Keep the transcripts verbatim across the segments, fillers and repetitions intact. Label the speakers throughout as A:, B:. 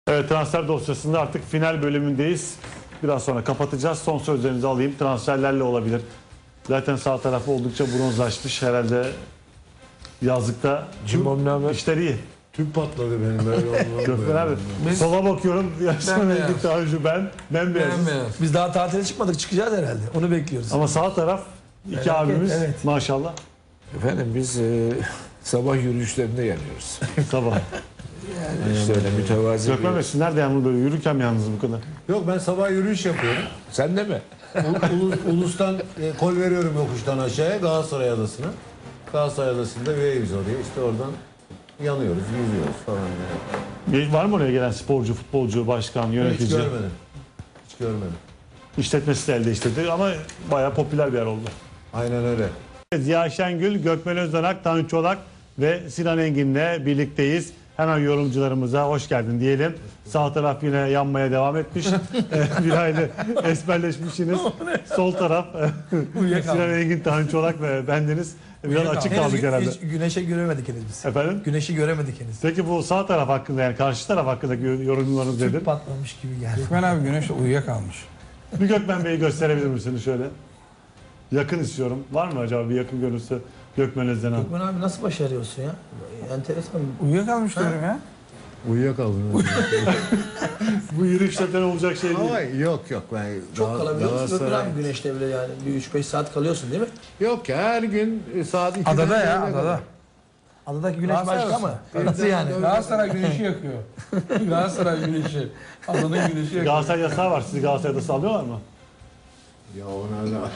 A: Evet, transfer dosyasında artık final bölümündeyiz. Biraz sonra kapatacağız. Son sözlerinizi alayım. Transferlerle olabilir. Zaten sağ tarafı oldukça bronzlaşmış. Herhalde yazlıkta işler iyi.
B: Tüp patladı benim böyle.
A: Gökmen abi.
C: Biz-
A: Sola bakıyorum. Yaşlı
C: Bembeyaz.
A: daha önce ben. Bembeyazız.
C: Bembeyaz.
D: Biz daha tatile çıkmadık, çıkacağız herhalde. Onu bekliyoruz.
A: Ama sağ taraf iki
D: Evet,
A: abimiz
D: evet.
A: maşallah.
E: Efendim biz e, sabah yürüyüşlerinde geliyoruz.
A: Sabah.
E: Yani işte öyle mütevazi
A: Gökmen Bey,
E: bir...
A: siz nerede yalnız böyle yürürken mi yalnız bu kadar?
B: Yok, ben sabah yürüyüş yapıyorum.
E: Sen de mi?
B: Ul- Ulus, Ulus'tan e, kol veriyorum yokuştan aşağıya Galatasaray Adası'na. Galatasaray Adası'nda üyeyiz oraya. İşte oradan yanıyoruz, yüzüyoruz falan. Yani.
A: Bir- Var mı oraya gelen sporcu, futbolcu, başkan,
B: Hiç
A: yönetici?
B: görmedim. Hiç görmedim.
A: İşletmesi de elde işledi ama bayağı popüler bir yer oldu.
B: Aynen öyle.
A: Ziya Şengül, Gökmen Özdanak, Tanju Çolak ve Sinan Engin'le birlikteyiz. Hemen yorumcularımıza hoş geldin diyelim. Sağ taraf yine yanmaya devam etmiş. Ee, bir aile esmerleşmişsiniz. Sol taraf Sinan Engin, Tanju Çolak ve bendeniz. Biraz açık
D: Henüz
A: kaldık
D: gü-
A: herhalde.
D: Hiç güneşe göremedik henüz biz.
A: Efendim?
D: Güneşi göremedik henüz.
A: Peki bu sağ taraf hakkında, yani karşı taraf hakkındaki yorumlarınız nedir?
D: Tüp patlamış gibi geldi.
C: Gökmen abi güneş uyuyakalmış.
A: Bir Gökmen Bey'i gösterebilir misiniz şöyle? Yakın istiyorum. Var mı acaba bir yakın görüntüsü Gökmen Özdanak?
D: Gökmen abi nasıl başarıyorsun ya? Enteresan.
C: Uyuyakalmış diyorum ya.
B: Uyuyakaldım.
A: Bu yürüyüşlerden olacak şey değil.
B: Ama yok yok. Ben
D: Çok
B: Gal-
D: kalabiliyor musun Gökmen
B: Galatasaray-
D: abi güneşte bile yani? Bir üç beş saat kalıyorsun değil mi?
B: Yok ya, her gün e, saat ikiden
C: Adada ya
B: birine kadar.
C: adada.
D: Adadaki güneş
C: Galatasaray
D: başka
C: olsun.
D: mı? Nasıl yani?
C: Galatasaray güneşi yakıyor. Galatasaray güneşi. Adanın güneşi yakıyor.
A: Galatasaray yasağı var. Sizi Galatasaray'da sallıyorlar mı?
B: Ya ona da.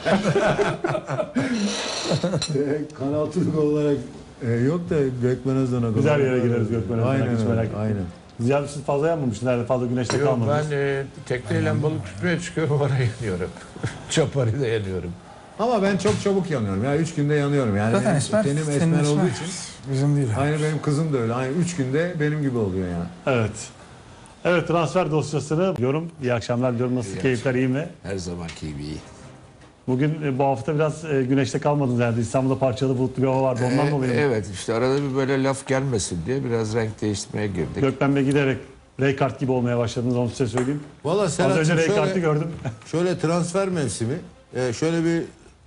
B: Kanal Türk olarak e, yok da Gökmen Özdan'a
A: Güzel yere gireriz Gökmen Özdan'a,
B: Aynen
A: hiç
B: öyle,
A: merak etme.
B: aynen.
A: Ziya, siz fazla yanmamışsınız. Nerede fazla güneşte
E: Yok
A: kalmadınız.
E: ben e, tekneyle balık tutmaya çıkıyorum, oraya yanıyorum. Çapari'de yanıyorum.
B: Ama ben çok çabuk yanıyorum. Ya üç günde yanıyorum. Yani
C: Zaten
B: benim
C: esmer.
B: tenim
C: senin
B: esmer
C: esmer.
B: olduğu için.
C: Bizim değil.
B: Aynı benim kızım da öyle. Aynı üç günde benim gibi oluyor yani.
A: Evet. Evet, transfer dosyasını diyorum. İyi akşamlar diyorum. Nasıl,
E: İyi
A: keyifler iyi mi?
E: Her zamanki gibi iyi.
A: Bugün e, bu hafta biraz e, güneşte kalmadınız herhalde. İstanbul'da parçalı bulutlu bir hava vardı. Ondan
E: E,
A: dolayı mı?
E: evet işte arada bir böyle laf gelmesin diye biraz renk değiştirmeye girdik.
A: Gökmen Bey giderek Raykart gibi olmaya başladınız. Onu size söyleyeyim.
B: Valla
A: Az
B: Serhat'cığım
A: önce Raykart'ı
B: şöyle,
A: gördüm.
B: şöyle transfer mevsimi. e, şöyle bir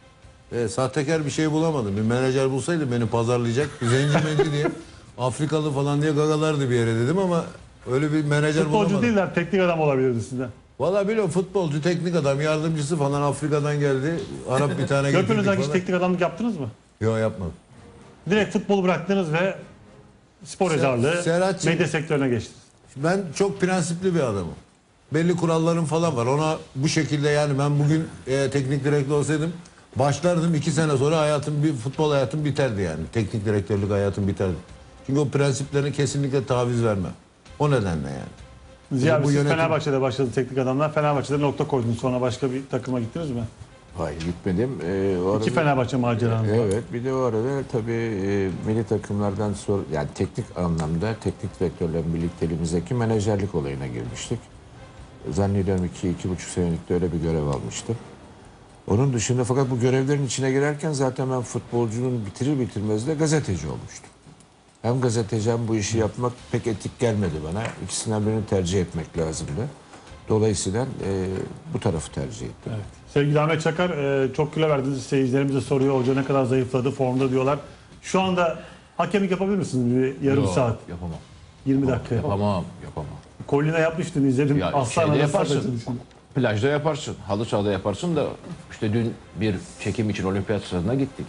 B: e, sahtekar bir şey bulamadım. Bir menajer bulsaydı beni pazarlayacak. Zenci menci diye. Afrikalı falan diye gagalardı bir yere dedim ama öyle bir menajer
A: Futbolcu
B: bulamadım.
A: değiller, teknik adam olabilirdi sizden.
B: Valla biliyorum, futbolcu, teknik adam, yardımcısı falan Afrika'dan geldi. Arap bir tane
A: Gökmen
B: getirdik
A: Özdanak hiç
B: falan.
A: teknik adamlık yaptınız mı?
B: Yok, yapmadım.
A: Direkt futbolu bıraktınız ve spor
B: Ser-
A: yazarlığı,
B: Serhat'cığım-
A: medya sektörüne geçtiniz.
B: Ben çok prensipli bir adamım. Belli kurallarım falan var. Ona bu şekilde, yani ben bugün e, teknik direktör olsaydım başlardım, iki sene sonra hayatım, bir futbol hayatım biterdi yani. Teknik direktörlük hayatım biterdi. Çünkü o prensiplerine kesinlikle taviz vermem. O nedenle yani.
A: Ziya,
B: bu
A: siz
B: yönetim-
A: Fenerbahçe'de başladı teknik adamlar. Fenerbahçe'de nokta koydunuz. Sonra başka bir takıma gittiniz mi?
E: Hayır gitmedim. E, o
A: İki
E: arada-
A: Fenerbahçe maceranız var.
E: Evet, bir de o arada tabii e, milli takımlardan sonra, yani teknik anlamda teknik direktörlerin birlikteliğimizdeki menajerlik olayına girmiştik. Zannediyorum iki, iki buçuk senelikte öyle bir görev almıştım. Onun dışında fakat bu görevlerin içine girerken zaten ben futbolcunun bitirir bitirmez de gazeteci olmuştum. Hem gazeteci hem bu işi yapmak pek etik gelmedi bana. İkisinden birini tercih etmek lazımdı. Dolayısıyla e, bu tarafı tercih ettim.
A: Evet. Sevgili Ahmet Çakar, e, çok kilo verdiniz. Seyircilerimiz de soruyor. Hoca ne kadar zayıfladı, formda diyorlar. Şu anda hakemlik yapabilir misiniz? Bir yarım
F: Yok,
A: saat,
F: Yapamam.
A: yirmi dakika yapalım.
F: Yapamam. Yapamam.
A: Kolina yapmıştın, izledim.
F: Ya
A: Aslan
F: şeyde
A: arası
F: yaparsın.
A: atmışsın.
F: Plajda yaparsın. Halı sahada yaparsın da işte dün bir çekim için olimpiyat stadına gittik.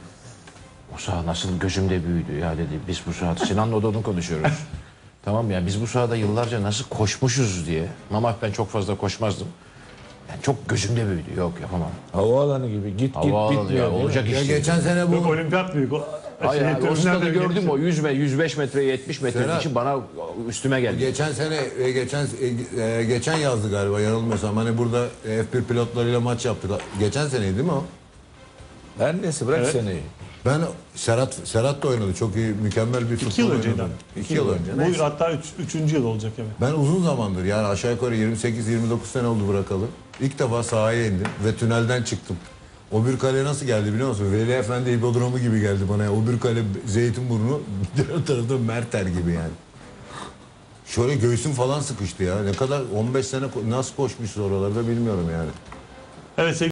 F: O saha nasıl gözümde büyüdü ya, dedi. Biz bu sahada Sinan'la da onu konuşuyoruz. Tamam ya, biz bu sahada yıllarca nasıl koşmuşuz diye. Ama ben çok fazla koşmazdım. Yani çok gözümde büyüdü. Yok, yapamam.
E: Havaalanı gibi git
F: Havaalanı
E: git bitmiyor.
F: ya,
E: değil mi?
F: olacak
B: Ya
F: iş değil.
B: geçen sene bu
A: Yok, olimpiyat büyük. O,
F: Hayır,
A: şey,
F: abi, o
A: tribünler
F: stadı
A: de
F: gördüm,
A: geniş.
F: o yüz ve yüz beş metre, yetmiş metre
B: Serhat.
F: için bana üstüme geldi.
B: geçen sene e, geçen e, e, geçen yazdı galiba, yanılmıyorsam. Hani burada F bir pilotlarıyla maç yaptık. Geçen seneydi değil mi o?
E: Her neyse bırak
A: Evet.
E: seni.
B: Ben Serhat Serhat da oynadı. Çok iyi, mükemmel bir futbol
A: İki yıl önceydi.
B: oynadı.
A: abi.
B: İki yıl önce.
A: Bu
B: Neyse.
A: hatta üç, üçüncü yıl olacak evet.
B: Ben uzun zamandır, yani aşağı yukarı yirmi sekiz yirmi dokuz sene oldu bırakalı. İlk defa sahaya indim ve tünelden çıktım. O bir kale nasıl geldi biliyor musun? Veli Efendi hipodromu gibi geldi bana. O bir kale Zeytinburnu, diğer tarafta Merter gibi yani. Şöyle göğsüm falan sıkıştı ya. Ne kadar on beş sene ko- nasıl koşmuşuz oralarda bilmiyorum yani.
A: Evet sevgili